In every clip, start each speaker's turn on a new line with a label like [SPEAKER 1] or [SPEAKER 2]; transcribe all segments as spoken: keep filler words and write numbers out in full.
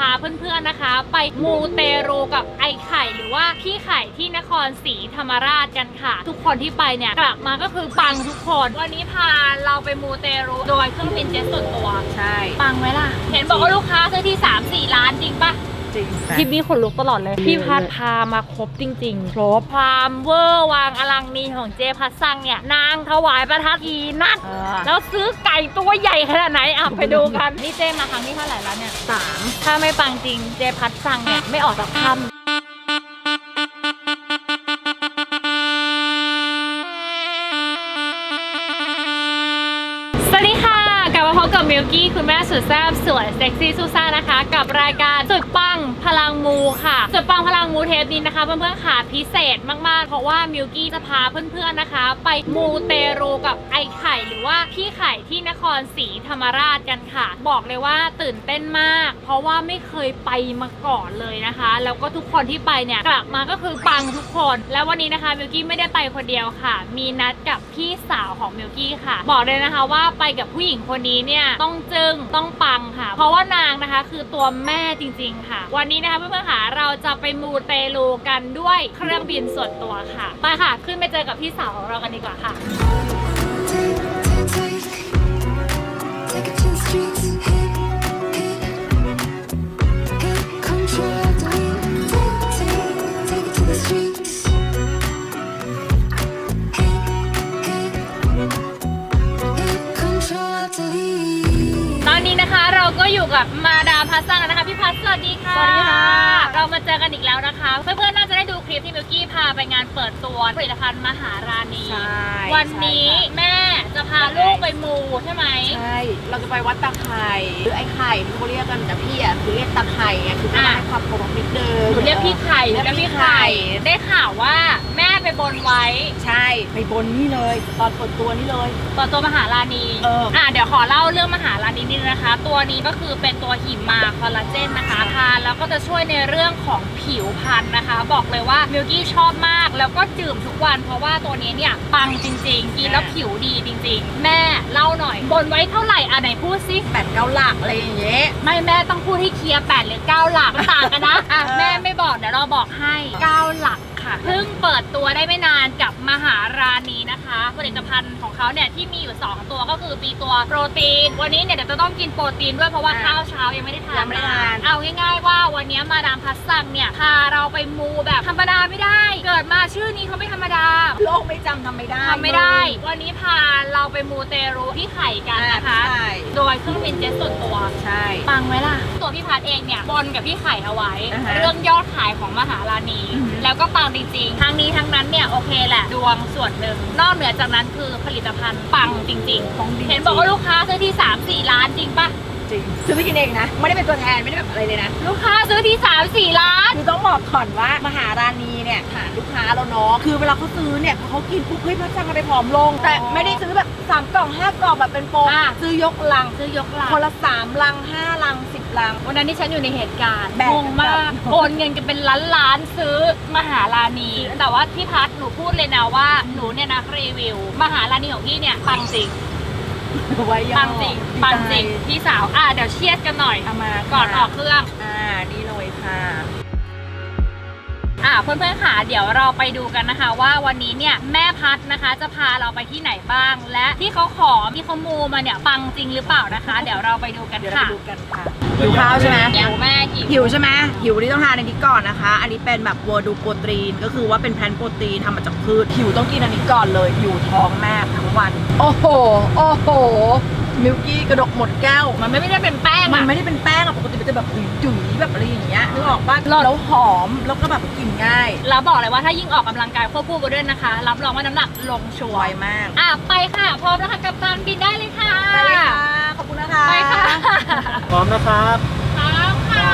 [SPEAKER 1] าเพื่อนๆนะคะไปมูเตรูกับไอไข่หรือว่าพี่ไข่ที่นครศรีธรรมราชกันค่ะทุกคนที่ไปเนี่ยกลับมาก็คือปังทุกคนวันนี้พาเราไปมูเตรูโดยเครื่องบินเจ็ตส่วนตัวใช่ปังไหมล่ะเห็นบอกว่าลูกค้าซื้อที่ สามสี่ล้านจริงปะคลิปนี้ขนลุกตลอดเลยพี่พัดพามาครบจริงๆครบความเวอร์วางอลังนีของเจพัดสั่งเนี่ยนางถวายประทัดกี่นัดแล้วซื้อไก่ตัวใหญ่ขนาดไหนอ่ะไปดูกันนี่เจมาครั้งที่เท่าไหร่แล้วเนี่ยสามถ้าไม่ปังจริงเจพัดสั่งเนี่ยไม่ออกจากถ้ำสวัสดีค่ะกลับมาพบกับมิลกี้คุณแม่สุดแซ่บสวยเซ็กซี่ซูซ่านะคะกับรายการสุดปังพลังมูค่ะสุดปังพลังมูเทปนี้นะคะเพื่อนๆค่ะพิเศษมากๆเพราะว่ามิลกี้จะพาเพื่อนๆนะคะไปมูเตรูกับไอไข่หรือว่าพี่ไข่ที่นครศรีธรรมราชกันค่ะบอกเลยว่าตื่นเต้นมากเพราะว่าไม่เคยไปมาก่อนเลยนะคะแล้วก็ทุกคนที่ไปเนี่ยกลับมาก็คือปังทุกคนแล้ววันนี้นะคะมิลกี้ไม่ได้ไปคนเดียวค่ะมีนัดกับพี่สาวของมิลกี้ค่ะบอกเลยนะคะว่าไปกับผู้หญิงคนนี้เนี่ยต้องจึงต้องปังค่ะเพราะว่านางนะคะคือตัวแม่จริงๆค่ะวันนี้นะคะเพื่อนๆค่ะเราจะไปมูเตลูกันด้วยเครื่องบินส่วนตัวค่ะไปค่ะขึ้นไปเจอกับพี่สาวของเรากันดีกว่าค่ะตอนนี้นะคะเราก็อยู่กับมาดามพัสซังนะคะพี่พัสสวัสดีค่ะสวัสดีค่ะเรามาเจอกันอีกแล้วนะคะเพื่อนๆน่าจะได้ดูคลิปที่มิลกี้พาไปงานเปิดตัวผลิตภัณฑ์มหาราณีวันนี้แม่จะพาลูกไปมูใช่ไหมใช่
[SPEAKER 2] เราจะไปวัดตาไข่หรือไอ้ไข่ที่เขาเรียกกันแต่พี่อ่ะคือเรียกตาไข่ไงคือให้ความเคารพนิดนึง
[SPEAKER 1] เรียกพี่ไข่เรียกพี่ไข่ได้ข่าวว่าแม่ไปบนไว้
[SPEAKER 2] ใช่ไปบนนี่เลยตอนเปิดตัวนี่เลย
[SPEAKER 1] เปิดตัวมหาราณีเอออ่ะเดี๋ยวขอเล่าเรื่องมหาราณีนิดนึงนะคะตัวนี้ก็คือเป็นตัวหิมาคอลลาเจนนะคะทานแล้วก็จะช่วยในเรื่องของผิวพรรณนะคะบอกเลยว่ามิลกี้ชอบมากแล้วก็ดื่มทุกวันเพราะว่าตัวนี้เนี่ยปังจริงๆกินแล้วผิวดีจริงๆแม่เล่าหน่อยบนไว้เท่าไหร่อ่ะไหนพูดซิ
[SPEAKER 2] แปดเก้าหลักอะไรอย่างเงี้ย
[SPEAKER 1] ไม่แม่ต้องพูดให้เคลียร์แปดหรือเก้าหลักต่างกันนะอ่ะแม่ไม่บอกเดี๋ยวเราบอกให้เก้าหลักเพิ่งเปิดตัวได้ไม่นานกับมหาราณีนะคะผลิตภัณฑ์ของเขาเนี่ยที่มีอยู่สองตัวก็คือมีตัวโปรตีนวันนี้เนี่ยเดี๋ยวจะต้องกินโปรตีนด้วยเพราะว่าข้าวเช้ายังไม่ได้ทานเอาง่ายๆว่าวันนี้มาดามพัสซังเนี่ยพาเราไปมูแบบธรรมดาไม่ได้เกิดมาชื่อนี้เขาไม่ธรรมดา
[SPEAKER 2] โลกไม่จำทำไม่ได้
[SPEAKER 1] ทำไม่ได้วันนี้พาเราไปมูเตรูที่ไข่กันนะคะโดยเครื่องบินเจ็ตส่วนตัว
[SPEAKER 2] ใช่
[SPEAKER 1] ปังไหมล่ะตัวพี่พัดเองเนี่ยบนกับพี่ไข่เอาไว้เรื่องยอดขายของมหาราณีแล้วก็ปังจริงๆทั้งนี้ทั้งนั้นเนี่ยโอเคแหละดวงส่วนหนึ่งนอกเหนือจากนั้นคือผลิตภัณฑ์ปังจริงๆเห็นบอกว่าลูกค้าซื้อที่ สามสี่ล้านจริงปะ
[SPEAKER 2] จริงซื้อไปกินเองนะไม่ได้เป็นตัวแทนไม่ได้แบบอะไรเลยนะ
[SPEAKER 1] ลูกค้าซื้อที่ สามสี่ล้าน
[SPEAKER 2] คือต้องบอกก่อนว่ามหาราณีเนี่ยฐานลูกค้าเราเนาะคือเวลาเขาซื้อเนี่ยเขากินปุ๊บเฮ้ยพัชจังมันไปผอมลงแต่ไม่ได้ซื้อแบบสามกล่องห้ากล่องแบบเป็นโปรซื้อยกลัง
[SPEAKER 1] ซื้อยกลัง
[SPEAKER 2] คนละสามลังห้าลังสิบลัง
[SPEAKER 1] วันนั้นที่ฉันอยู่ในเหตุการณ์งงมากโอนเงินกันเป็นล้านล้านซื้อมหาราณีแต่ว่าพี่พัดหนูพูดเลยนะว่าหนูเนี่ยนะรีวิวมหาราณีของพี่เนี่ยปังจริงปังจริงปังจริงพี่สาวอ่ะเดี๋ยวเชียดกันหน่อยเอามาก่อนออกเครื่อง
[SPEAKER 2] อ่านี่เลยค่ะ
[SPEAKER 1] อ่ะเพื่อนๆค่ะเดี๋ยวเราไปดูกันนะคะว่าวันนี้เนี่ยแม่พัดนะคะจะพาเราไปที่ไหนบ้างและที่เขาขอที่เขามูมาเนี่ยปังจริงหรือเปล่านะคะเดี๋ยวเราไปดูกันค่ะ
[SPEAKER 2] ดูกันค่ะหิวข้าวใช่ไหม
[SPEAKER 1] หิวแม่
[SPEAKER 2] หิวใช่ไหมหิวที่ต้องทานอันนี้ก่อนนะคะอันนี้เป็นแบบวัวดูโปรตีนก็คือว่าเป็นแพลนโปรตีนทำมาจากพืชหิวต้องกินอันนี้ก่อนเลยหิวท้องแม่ทั้งวันโอ้โหโอ้โหมิลกี้กระดกหมดแก้ว
[SPEAKER 1] มันไม่ได้เป็นแป้ง
[SPEAKER 2] มันไม่ได้เป็นแป้งอะปกติมันจะแบบจุ๋ยๆแบบอะไรอย่างเงี้ยนึกออกป่ะแล้วหอมแล้วก็แบบกินง่าย
[SPEAKER 1] แล้วบอกเลยว่าถ้ายิ่งออกกำลังกายควบคู่ไปด้วยนะคะรับรองว่าน้ำหนักลงชัวร์
[SPEAKER 2] มาก
[SPEAKER 1] อ่ะไปค่ะพร้อมนะคะกัปตันบินได้เลยค่ะ
[SPEAKER 2] ไปเลยค่ะขอบคุณนะคะ
[SPEAKER 1] ไปค่ะ
[SPEAKER 3] พร้อมนะครับ
[SPEAKER 1] พร้อมค่ะ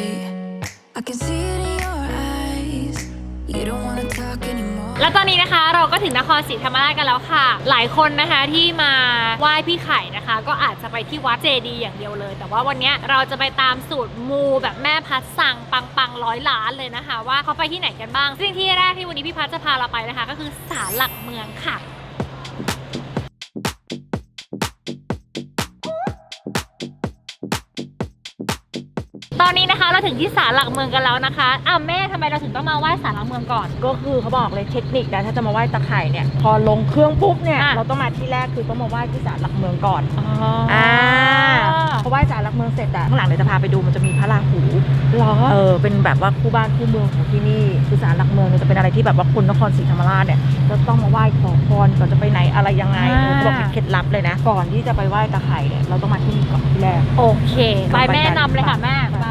[SPEAKER 1] และตอนนี้นะคะเราก็ถึงนครศรีธรรมราชกันแล้วค่ะหลายคนนะคะที่มาไหว้พี่ไข่นะคะก็อาจจะไปที่วัดเจดีย์อย่างเดียวเลยแต่ว่าวันนี้เราจะไปตามสูตรมูแบบแม่พัดสั่งปังปังร้อยล้านเลยนะคะว่าเขาไปที่ไหนกันบ้างซึ่งที่แรกที่วันนี้พี่พัดจะพาเราไปนะคะก็คือศาลหลักเมืองค่ะตอนนี้นะคะเราถึงที่ศาลหลักเมืองกันแล้วนะคะอ้าวแม่ทำไมเราถึงต้องมาไหว้ศาลหลักเมืองก่อน
[SPEAKER 2] ก็คือเขาบอกเลยเทคนิคนะถ้าจะมาไหว้ตะไคร่เนี่ยพอลงเครื่องปุ๊บเนี่ย
[SPEAKER 1] อ่ะ
[SPEAKER 2] เราต้องมาที่แรกคือต้องมาไหว้ที่ศาลหลักเมืองก่อน
[SPEAKER 1] อ๋อ
[SPEAKER 2] อ่าพอไหว้ศาลหลักเมืองเสร็จอะข้างหลังเดี๋ยวจะพาไปดูมันจะมีพระราหู
[SPEAKER 1] หรอ
[SPEAKER 2] เออเป็นแบบว่าคู่บ้านคู่เมืองของที่นี่คือศาลหลักเมืองเนี่ยจะเป็นอะไรที่แบบว่าคนนครศรีธรรมราชเนี่ยจะต้องมาไหว้ขอพรก่อนจะไปไหนอะไรยังไง
[SPEAKER 1] อ่า
[SPEAKER 2] เขาบอกเป็นเคล็ดลับเลยนะก่อนที่จะไปไหว้ตะไคร่เนี่ยเราต้องมาที่นี่ก่อนที่แรก
[SPEAKER 1] โอเคไปแม่นำเลยค่ะแม่ไป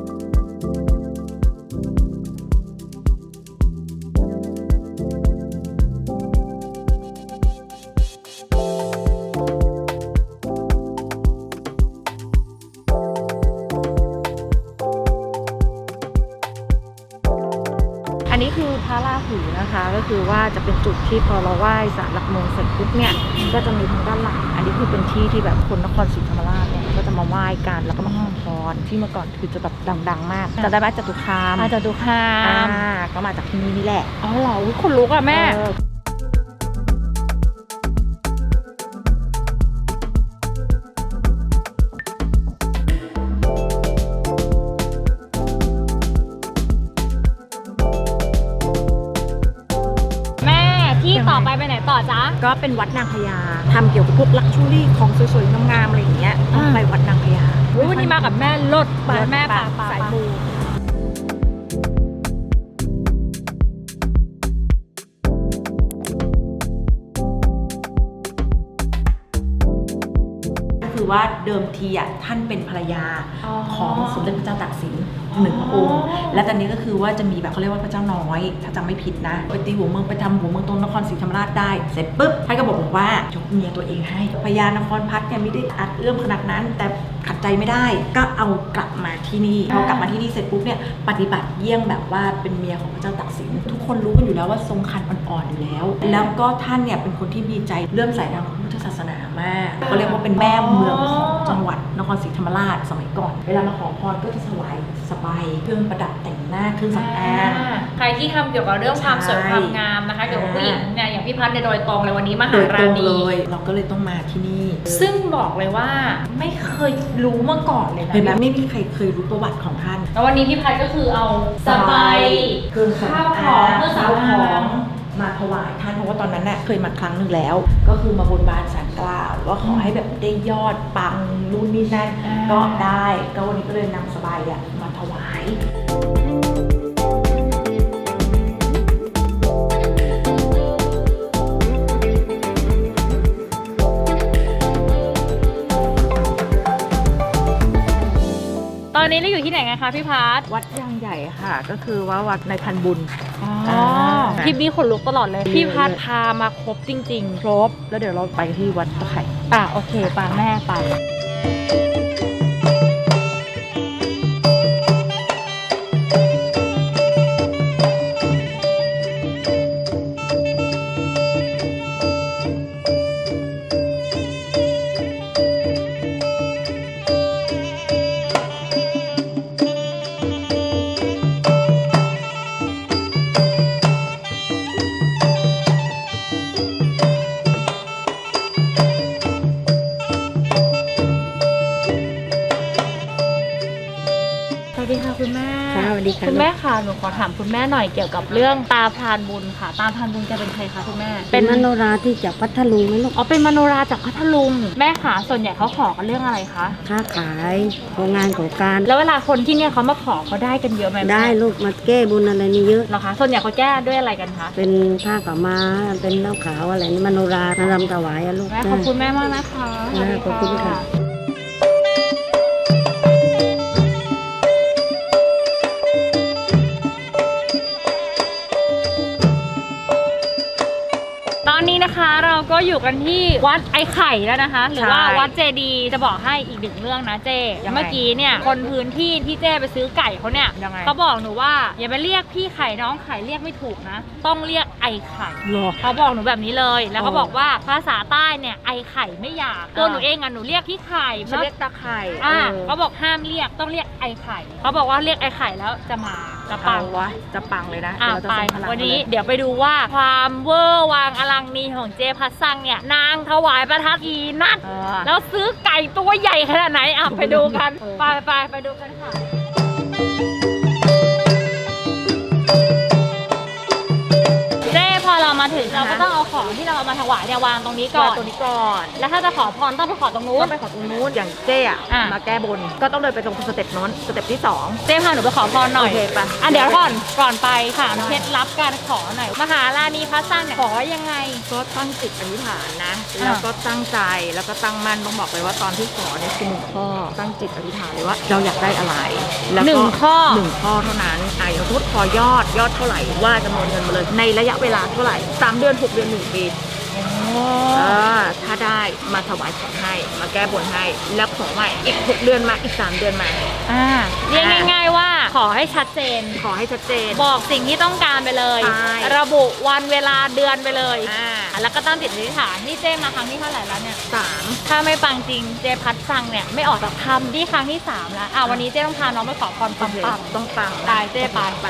[SPEAKER 2] อันนี้คือพระราหูนะคะก็คือว่าจะเป็นจุดที่พอเราไหว้ศาลหลักเมืองเสร็จปุ๊บเนี่ยก็จะมีทางด้านหลังอันนี้คือเป็นที่ที่แบบคนนครศรีธรรมราชเนี่ยก็จะมาไหว้กันแล้วก็มาขอพรที่เมื่อก่อนคือจะแบบดังๆมากจะได้ไหมจตุคาม
[SPEAKER 1] อาจจะดูคา
[SPEAKER 2] อ่าม ก็มาจากที่นี่นี่แหละ
[SPEAKER 1] อ๋อเหรออุ๊ยคนลุกอะแม่
[SPEAKER 2] เออ
[SPEAKER 1] แม่ที่ต่อไปไปไหนต่อจ๊ะ
[SPEAKER 2] ก็เป็นวัดนางพญาทำเกี่ยวกับพวกลักชูรี่ของสวยๆงามๆอะไรอย่างเงี้ยต้องไปวัดนางพญา
[SPEAKER 1] อุ๊ยวันนี้มากับแม่ลดไปแม่ป่า
[SPEAKER 2] สายมู ก็คือว่าเดิมทีอ่ะท่านเป็นภรรยาของสมเด็จพระเจ้าตากสินหนึ่งองค์ และตอนนี้ก็คือว่าจะมีแบบเขาเรียกว่าพระเจ้าน้อยถ้าจำไม่ผิดนะไปตีหัวเมืองไปทำหัวเมืองตรงนครศรีธรรมราชได้เสร็จปุ๊บท่านก็บอกว่ายกเมียตัวเองให้พญานครพัฒน์เนี่ยไม่ได้อัดเอื้อมขนาดนั้นแต่ขัดใจไม่ได้ก็เอากลับมาที่นี่พอกลับมาที่นี่เสร็จปุ๊บเนี่ยปฏิบัติเยี่ยงแบบว่าเป็นเมียของพระเจ้าตากสินทุกคนรู้กันอยู่แล้วว่าทรงคันอ่อนๆอยู่แล้วแล้วก็ท่านเนี่ยเป็นคนที่มีใจเลื่อมใสทางพระพุทธศาสนามากก็เรียกว่าเป็นแม่เมืองของจังหวัดนครศรีธรรมราชสมัยก่อนเวลามาขอพรก็จะถวายสบายเครื่องประดับแต่งหน้าเครื่องสำอาง
[SPEAKER 1] ใครที่ทำเกี่ยวกับเรื่องความสวยความงามนะคะเกี่ยวกับผู้หญิงเนี่ยอย่างพี่พัฒน์ในยโดยตรงเลยวันนี้มาหา
[SPEAKER 2] โดยต
[SPEAKER 1] ร้า
[SPEAKER 2] ร
[SPEAKER 1] น
[SPEAKER 2] ง
[SPEAKER 1] นี้
[SPEAKER 2] เลยเราก็เลยต้องมาที่นี่
[SPEAKER 1] ซึ่งบอกเลยว่าไม่เคยรู้มาก่อนเลยนะ
[SPEAKER 2] เห็นไหมไม่มีใครเคยรู้ประวัติของท่าน
[SPEAKER 1] แล้ววันนี้พี่พัฒน์ก็คือเอาสบาย
[SPEAKER 2] เครื่อง
[SPEAKER 1] ข้าวของเครื่องสำ
[SPEAKER 2] ข้าวข
[SPEAKER 1] อา
[SPEAKER 2] อง งมาถวายท่านเพราะว่าตอนนั้นน่ะเคยมาครั้งหนึ่งแล้ว ก็คือมาบนบานศาลกล่าวว่าขอให้แบบได้ยอดปังนู่นนี่นั่นก็ได้ก็วันนี้ก็เลยนำสบายอ่ะมาถวาย
[SPEAKER 1] ตอนนี้เราอยู่ที่ไหนกันคะพี่พัฒน์
[SPEAKER 2] วัดยางใหญ่ค่ะก็คือว่าวัดในพันบุญ
[SPEAKER 1] อ๋อ
[SPEAKER 2] อ่า
[SPEAKER 1] คลิปนี้ขนลุกตลอดเลย พี่พัฒน์พามาครบจริง
[SPEAKER 2] ครบแล้วเดี๋ยวเราไปที่วัดตะไคร่
[SPEAKER 1] ๆ อ่ะโอเคป่าแม่ไปสวัสดีค่ะคุณแม่
[SPEAKER 4] ค่ะสวัสดีค่ะ
[SPEAKER 1] คุณแม่ค่ะหนูขอถามคุณแม่หน่อยเกี่ยวกับเรื่องตาพรานบุญค่ะ ตาพรานบุญจะเป็นใครคะคุณแม่
[SPEAKER 4] เป็นมโนราที่จากพัทลุงไหมลูก
[SPEAKER 1] อ๋อเป็นมโนราจากพัทลุงแม่ค่ะส่วนใหญ่เขาขอกันเรื่องอะไรคะ
[SPEAKER 4] ค้าขายของงานของการ
[SPEAKER 1] แล้วเวลาคนที่เนี่ยเขามาขอเขาได้กันเยอะไหมแม่
[SPEAKER 4] ได้ลูกมาแก้บุญอะไรนี่เยอะ
[SPEAKER 1] เหรอคะส่วนใหญ่เขาแก้ด้วยอะไรกันคะ
[SPEAKER 4] เป็นผ้าขาวม้าเป็นเหล้าขาวอะไรนี่มโนรามารำถวายอะลูก
[SPEAKER 1] แม่ขอบคุณแม่มากนะคะ
[SPEAKER 4] ค่ะขอบคุณค่ะ
[SPEAKER 1] ตอนนี้นะคะเราก็อยู่กันที่วัดไอ้ไข่แล้วนะคะ หรือว่า
[SPEAKER 2] ใช่
[SPEAKER 1] วัดเจดีย์จะบอกให้อีกหนึ่งเรื่องนะเจ
[SPEAKER 2] ยังไง
[SPEAKER 1] เมื่อกี้เนี่ยคนพื้นที่ที่เจไปซื้อไก่เขาเนี่ย
[SPEAKER 2] ยังไง
[SPEAKER 1] เขาบอกหนูว่าอย่าไปเรียกพี่ไข่น้องไข่เรียกไม่ถูกนะ ต้องเรียกไอ้ไข่
[SPEAKER 2] หรอ
[SPEAKER 1] เขาบอกหนูแบบนี้เลย แล้วเขา
[SPEAKER 2] โอ้
[SPEAKER 1] บอกว่าภาษาใต้เนี่ยไอ้ไข่ไม่หยาบตัวหนูเองอ่ะหนูเรียกพี่ไข่
[SPEAKER 2] ฉันเรียกตาไข่
[SPEAKER 1] อ่า
[SPEAKER 2] เออ
[SPEAKER 1] เขาบอกห้ามเรียกต้องเรียกไอ้ไข่เขาบอกว่าเรียกไอ้ไข่แล้วจะมาจะปั
[SPEAKER 2] ปั
[SPEAKER 1] ง
[SPEAKER 2] งวะจะปังเลยนะ
[SPEAKER 1] อ่ะ
[SPEAKER 2] เดี๋ยวเราจะ
[SPEAKER 1] ไป
[SPEAKER 2] ส่งพลัง
[SPEAKER 1] วันนี้
[SPEAKER 2] มาเลย
[SPEAKER 1] เดี๋ยวไปดูว่าความเวอร์วางอลังนีของเจพัสซังเนี่ยนางถวายประทัดกี่นัด
[SPEAKER 2] เออ
[SPEAKER 1] แล้วซื้อไก่ตัวใหญ่ขนาดไหนอ่ะไปดูกัน
[SPEAKER 2] เออ
[SPEAKER 1] ไปไปไปดูกันค่ะเจ้พอเรามาถึงเราก็ต้องเอาของที่เราเอามาถวายเนี่ยวางตรงนี้ก่อน
[SPEAKER 2] ตัวนี้ก่อน
[SPEAKER 1] แล้วถ้าจะขอพรต้องไปขอตรงนู้
[SPEAKER 2] ก็
[SPEAKER 1] น
[SPEAKER 2] ไปขอตรงนู้นอย่างเจ๊อะ
[SPEAKER 1] อ่ะ
[SPEAKER 2] มาแก้บนก็ต้องเดินไปตรงสเต็ปนู้นสเต็ปที่สอง
[SPEAKER 1] เจ้พาหนูไปขอพรหน่อย
[SPEAKER 2] โอเคไป
[SPEAKER 1] อ่ะเดี๋ยวก่อนก่อนไปถามเคล็ดลับการขอหน่อยมหาราณีพัสซังเนี่ยขอยังไง
[SPEAKER 2] ก็ตั้งจิตอธิษฐานนะ
[SPEAKER 1] อ่ะ
[SPEAKER 2] แล้วก็ตั้งใจแล้วก็ตั้งมั่นต้องบอกเลยว่าตอนที่ขอเนี่ยคือหนึ่งข้อตั้งจิตอธิษฐานเลยว่าเราอยากได้อะไรแล้วก็
[SPEAKER 1] หนึ่งข้อ
[SPEAKER 2] หนึ่งข้อเท่านั้นอ่ะอย่างสมมติขอยอดยอดเท่าไหร่ว่าจำนวนเงินมาเลยในระยะเวลาเท่าไหร่สามเดือนหกเดือนหนึ่งปีเออถ้าได้มาถวายของให้มาแก้บนให้แล้วขอใหม่อีกหกเดือนมาอีกสามเดือนมา
[SPEAKER 1] อ่าเรียกง่าย ๆว่าขอให้ชัดเจน
[SPEAKER 2] ขอให้ชัดเจน
[SPEAKER 1] บอกสิ่งที่ต้องการไปเลย
[SPEAKER 2] ใช่
[SPEAKER 1] ระบุวันเวลาเดือนไปเลย
[SPEAKER 2] อ่า
[SPEAKER 1] แล้วก็ตั้งจิตอธิษฐานนี่เจ้มาครั้งที่เท่าไหร่แล้วเนี่ย
[SPEAKER 2] สาม
[SPEAKER 1] ถ้าไม่ปังจริงเจพัดฟังเนี่ยไม่ออกจากทำที่ครั้งที่สามแล้วอ่ะวันนี้เจ้ต้องพาน้องไปขอพรปังปัง
[SPEAKER 2] ต้องปัง
[SPEAKER 1] ๆได้เจ้ไปไป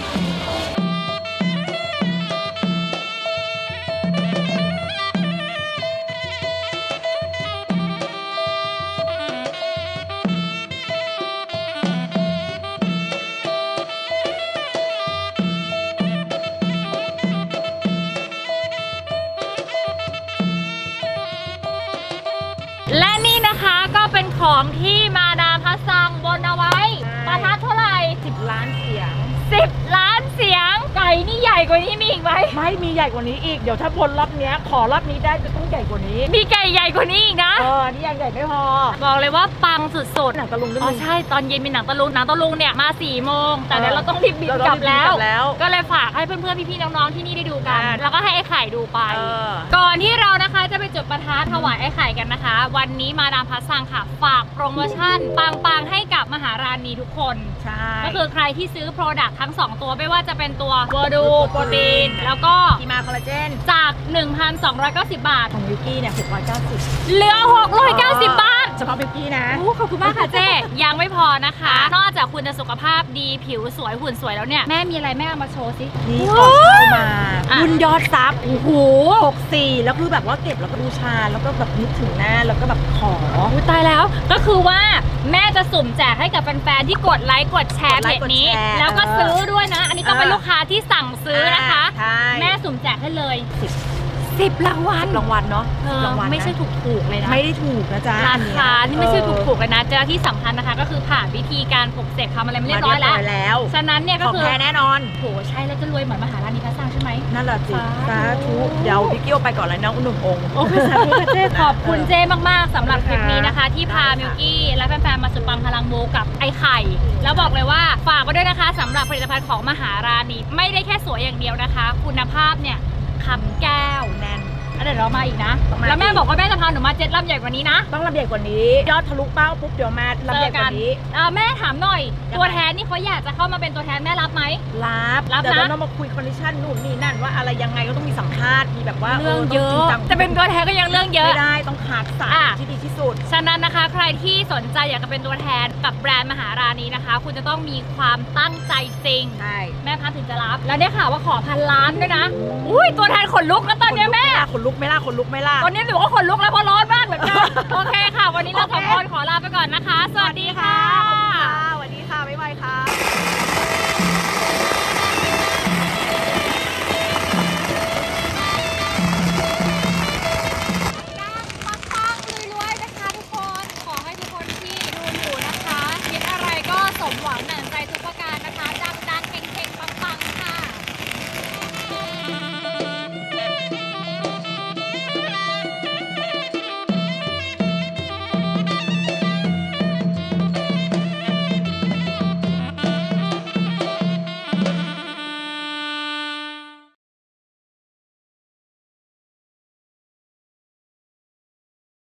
[SPEAKER 1] และนี่นะคะก็เป็นของที่มาดามพัสซังบนเอาไว้ประทัดเท่าไหร่
[SPEAKER 2] สิบล้านเสียง
[SPEAKER 1] สิบล้านเสียงไก่นี่ใหญ่กว่านี้มีอีกไหม
[SPEAKER 2] ไม่มีใหญ่กว่านี้อีก เดี๋ยวถ้าบนรอบเนี้ยขอรอบนี้ได้จะต้องใหญ่กว่านี้
[SPEAKER 1] มีไก่ใหญ่กว่านี้อีกนะ
[SPEAKER 2] เออ นี่ยังใหญ่ไม่พอ
[SPEAKER 1] บอกเลยว่าปังสุด
[SPEAKER 2] หนังตะลุง
[SPEAKER 1] ๆ
[SPEAKER 2] ด้วย
[SPEAKER 1] อ๋อ
[SPEAKER 2] มึง
[SPEAKER 1] ใช่ตอนเย็นมีหนังตะลุงหนังตะลุงเนี่ยมาสี่โมงแต่เดี๋ยว
[SPEAKER 2] เออ
[SPEAKER 1] เราต้องรีบบิน
[SPEAKER 2] เราต้อง
[SPEAKER 1] กลับแล้ว
[SPEAKER 2] รีบบินกลับแล้ว
[SPEAKER 1] ก็เลยฝากให้เพื่อนๆพี่ๆน้องๆที่นี่ได้ดูกัน
[SPEAKER 2] อ่า
[SPEAKER 1] แล้วก็ให้ไอ้ไข่ดูไป
[SPEAKER 2] เออ
[SPEAKER 1] ก่อนที่เรานะคะจะไปจุดประทัดถวายไอ้ไข่กันนะคะ วันนี้มาดามพัสซังค่ะ ฝากโปรโมชั่นปังๆให้กับมหาราณีทุกคน
[SPEAKER 2] ใช่
[SPEAKER 1] ก็คือใครที่ซื้อ Product ทั้งสองตัวไม่ว่าจะเป็นตัวเวอร์ดูโปรตีนแล้วก็
[SPEAKER 2] ทีมาคอลลาเจน
[SPEAKER 1] จาก หนึ่งพันสองร้อยเก้าสิบ บาท
[SPEAKER 2] ของวิกกี้เนี่ยหกร้อยเก้าสิบ
[SPEAKER 1] เหลือ หกร้อยเก้าสิบ บาท
[SPEAKER 2] เฉพาะวิกกี้นะ
[SPEAKER 1] โอ้ขอบคุณมากค่ะเจ๊ ยังไม่พอนะคะ นอกจากคุณจะสุขภาพดีผิวสวยหุ่นสวยแล้วเนี่ย แม่มีอะไรแม่เอามาโชว์สิ
[SPEAKER 2] นี่ก่อนเข้ามา
[SPEAKER 1] อ่ะ
[SPEAKER 2] รุ่นยอดซับโอ้โหหกสี่แล้วคือแบบว่าเก็บแล้วก็บูชาแล้วก็แบบนึกถึงหน้าแล้วก็แบบขอ
[SPEAKER 1] อุ๊ยตายแล้วก็คือว่าแม่จะสุ่มแจกให้กับแฟนๆที่กดไลค์กดแชร์
[SPEAKER 2] กดไล
[SPEAKER 1] เพ
[SPEAKER 2] ค์
[SPEAKER 1] จนี้
[SPEAKER 2] กดแชร์
[SPEAKER 1] แล้วก็
[SPEAKER 2] เออ
[SPEAKER 1] ซื้อด้วยนะ อันนี้ต้องเป็น
[SPEAKER 2] เออ
[SPEAKER 1] ลูกค้าที่สั่งซื้อนะคะ
[SPEAKER 2] ใช่
[SPEAKER 1] แม่สุ่มแจกให้เลย
[SPEAKER 2] สิบ
[SPEAKER 1] สิบรางวัล
[SPEAKER 2] รางวัลเนาะ
[SPEAKER 1] เออ
[SPEAKER 2] รางวัลนะ
[SPEAKER 1] ไม่ใช่ถูกๆเลยนะ
[SPEAKER 2] ไม่ได้ถูกนะจ๊ะ
[SPEAKER 1] ราคา
[SPEAKER 2] อัน
[SPEAKER 1] นี่
[SPEAKER 2] เนี้ย
[SPEAKER 1] ไม่ใช่
[SPEAKER 2] เออ
[SPEAKER 1] ถูกๆเลยนะเจ้าที่สำคัญนะคะ ก็คือผ่านวิธีการปลุกเสกทำอะไรมาเรียบร้อยแล้ว
[SPEAKER 2] มาแล้ว
[SPEAKER 1] ฉะนั้นเนี่ยก็
[SPEAKER 2] ของ
[SPEAKER 1] คือ
[SPEAKER 2] แท้แน่นอน
[SPEAKER 1] โหใช่แล้วจะรวยเหมือนมหาราณีพัสซังใช่ไหม
[SPEAKER 2] นั่นแหละสิ
[SPEAKER 1] สา
[SPEAKER 2] สา
[SPEAKER 1] ธุ
[SPEAKER 2] ธุเดี๋ยวพี่กิ้วไปก่อนเลยน้องหนุ่มองค์
[SPEAKER 1] โอ้ยสาธุค่ะเจ้ขอบคุณเจ้มากๆสำหรับคลิปนี้นะคะ ที่พา
[SPEAKER 2] ได้ค่ะ
[SPEAKER 1] มิวกี้และแฟนๆมาสุดปังพลังมูกับไอไข่ แล้วบอกเลยว่าฝากไว้ด้วยนะคะสำหรับผลิตภัณฑ์ของมหาราณีไม่ได้แค่สวยอย่างเดียวนะคะ คุณภาพเนี่ยคำแก้ว
[SPEAKER 2] แน่น
[SPEAKER 1] อ่ะเดี๋ยวเรามาอีกนะ
[SPEAKER 2] ต้องมา
[SPEAKER 1] แล้วแม่
[SPEAKER 2] อีก
[SPEAKER 1] บอกว่าแม่จะพาหนูมาเจ็ดลำใหญ่กว่านี้นะ
[SPEAKER 2] ต้องลำใหญ่กว่านี้ ยอดทะลุเป้าปุ๊บเดี๋ยวมาลำใหญ่กว่านี้
[SPEAKER 1] เอ่อแม่ถามหน่อย
[SPEAKER 2] ยังไง
[SPEAKER 1] ตัวแทนนี่เขาอยากจะเข้ามาเป็นตัวแทนแม่รับไหม
[SPEAKER 2] รับ
[SPEAKER 1] รับนะ
[SPEAKER 2] เดี๋ยวเราต้องมาคุยคอนดิชั่นนู่นนี่นั่นว่าอะไรยังไงก็ต้องมีสัมภาษณ์มีแบบว่า
[SPEAKER 1] เรื่องเย
[SPEAKER 2] ต้
[SPEAKER 1] อะ
[SPEAKER 2] จริงจัง
[SPEAKER 1] จะเป็นตัวแทนก็ยังเรื่องเยอะ
[SPEAKER 2] ไม่ได้ต้องคัดสรร
[SPEAKER 1] อ่ะ
[SPEAKER 2] ที่ดีที่สุด
[SPEAKER 1] ฉะนั้นนะคะใครที่สนใจอยากจะเป็นตัวแทนกับแบรนด์มหาราณีนะคะ คุณจะต้องมีความตั้งใจจริง
[SPEAKER 2] ใช่
[SPEAKER 1] แม่พันถึงจะรับ แล้วได้ข่าวว่าขอพันล้านด้วยนะ อุ้ยตัวแทนขนลุกแล้วตอนเนี้ยแม่
[SPEAKER 2] ขนลุกไหม่ล่ะขนลุกไหม่ล่ะ
[SPEAKER 1] ตอนนี้หนูก็ขนลุกแล้วเพราะร้อนมากเหลือเกิน โอเคค่ะ วันนี้เราสองคนขอลาไปก่อนนะคะ สวัสดีค่ะ